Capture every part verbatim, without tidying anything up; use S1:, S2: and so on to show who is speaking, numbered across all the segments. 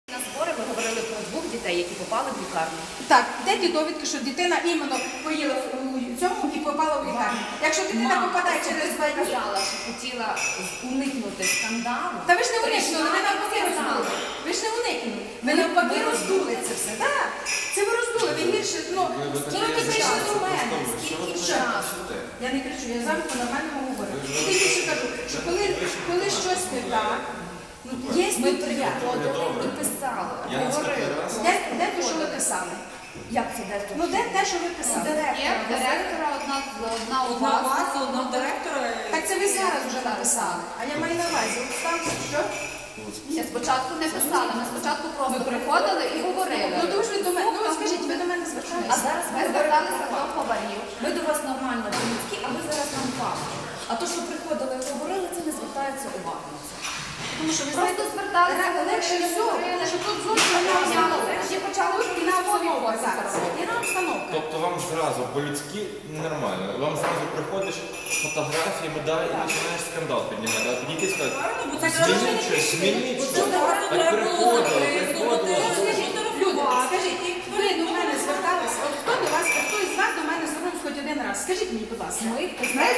S1: На збори ми говорили про двох дітей, які попали в лікарню.
S2: Так, де ті довідки, що дитина іменно поїла в цьому і попала в лікарню? Якщо дитина попадає через два дні...
S1: сказала, що хотіла уникнути скандалу.
S2: Та ви ж не уникнули, ви навпаки роздули. Ви ж не уникнули. Ви навпаки роздули це все. Так, це ви роздули. Ви гірше, ну, скільки прийшли до мене, скільки часу. Я не кричу, я завжди по-нормальному говорю. І тим більше кажу, що коли, коли щось не так, є
S1: Ми
S2: стаття.
S1: приходили і писали, говорили.
S2: Де, де те, що ви писали?
S1: Як це де тут?
S2: Ну де те, що ви писали?
S1: Є директора одна, одна у
S3: Одна у
S1: вас.
S3: вас, одна у директора.
S2: Так це ви зараз вже написали. А я маю на увазі. От там що?
S1: Ні, спочатку не писали, ми спочатку просто приходили і говорили.
S2: Ну то ж ви до мене, ну скажіть, ви до мене
S1: А
S2: зверталися.
S1: зараз ми зверталися до поварів. Ми до вас нормально по-людськи, а ви зараз нам факти. А то, що приходили і говорили, це не звертається увага на це.
S2: Тому що ви
S1: Просто
S2: знаєте,
S1: зверталися,
S2: ре- легше
S1: говорили,
S2: всього, тому що тут зовсім не обстановка.
S1: Всі почали
S2: Тут іна обстановка зараз. Іна обстановка.
S4: Тобто вам зразу по-людськи ненормально. Вам зразу приходиш фотографії, медалі і починаєш скандал піднімати. А підійти і сказати,
S3: Правильно, бо це
S4: змініть щось, змініть щось. Так приходило, приходило.
S2: Люди, скажіть, ви до мене зверталися? От хто до вас, хто із вас до мене звернувся хоч один раз? Скажіть мені, будь ласка.
S1: Ми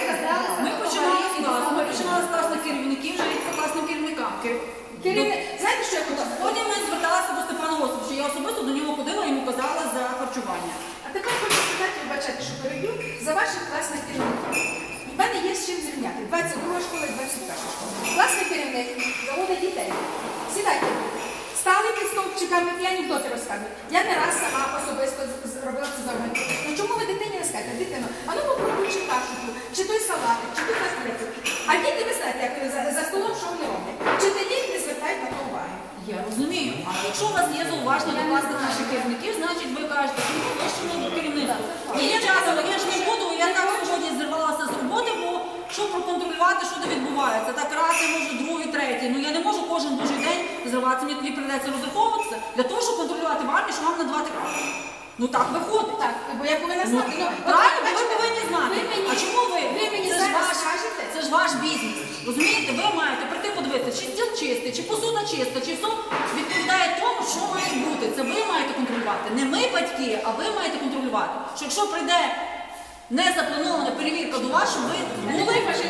S3: Ми починали з класу, ми починали з класних керівників, вже від класним керівникам.
S2: Керівник, знаєте, що я хотіла?
S3: Потім ми зверталися до Степана Осиповича, я особисто до нього ходила і йому казала за харчування.
S2: А тепер хочу сказати, вибачайте, що переб'ю, за ваших класних керівників. У мене є з чим зрівняти. двадцять друга школа і двадцять перша школа. Класний керівник заводить дітей. Сідайте. Стали під стовпчиками і анекдоти розказують. Я не раз сама особисто зробила це завдання. Ну чому ви дитині не скажете? Дитино, а ну попробуй чи кашу, чи той салатик, чи той котлету. А діти, ви знаєте, як вони за, за столом, що вони роблять. Вчителі не звертають на то уваги.
S3: Я розумію. А якщо у вас є зауваження до класних наших керівників, значить ви кажете, що ми вищому керівництву. І я часом, я ж не буду, я так сьогодні зірвалася з роботи, бо щоб проконтролювати, що де відбувається. Так раз, я можу, другий, третій. Ну я не можу кожен божий день зриватися, мені тоді прийдеться розраховуватися для того, щоб контролювати в армії, що вам надавати краще. Ну так виходить.
S2: Так, бо я повинна знати. Ну,
S3: Правильно,
S2: от,
S3: ви
S2: бачите,
S3: повинні знати.
S2: ви мені-
S3: А чому ви?
S2: ви мені
S3: це ж
S2: зараз
S3: ваш,
S2: скажете?
S3: це ж ваш бізнес. Розумієте? Ви маєте прийти подивитися, чи стіл чистий, чи посуда чиста, чи все відповідає тому, що має бути. Це ви маєте контролювати. Не ми батьки, а ви маєте контролювати. Що якщо прийде незапланована перевірка до вас, щоб ви були